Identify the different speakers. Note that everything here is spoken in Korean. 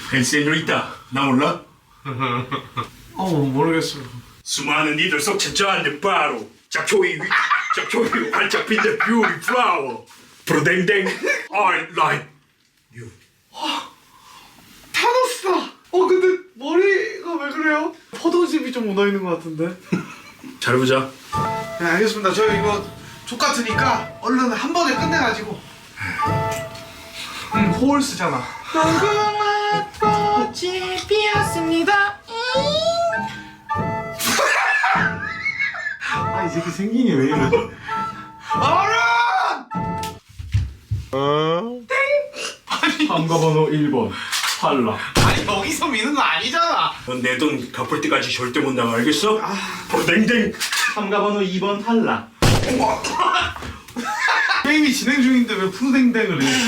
Speaker 1: 펜세뇨리타, 나 몰라?
Speaker 2: 모르겠어요.
Speaker 1: 수많은 이들 속 천자한데 바로 잡초이 활짝 핀다 뷰티 플라워 프로댕댕 I like you.
Speaker 2: 타노스다. 근데 머리가 왜 그래요? 포도즙이 좀 묻어있는 것 같은데.
Speaker 1: 잘해보자.
Speaker 2: 네, 알겠습니다. 저 이거 족같으니까 얼른 한 번에 끝내가지고. 호울스잖아.
Speaker 3: 무궁화 꽃이 피었습니다.
Speaker 2: 이 새끼 생긴이 왜 이래? 어른! 참가번호 1번 탈락. 여기서 미는 거 아니잖아.
Speaker 1: 넌 내 돈 갚을 때까지 절대 못 나가, 알겠어? 프로댕댕.
Speaker 2: 참가번호 2번 탈락. 게임이 진행 중인데 왜 푸댕댕을 해?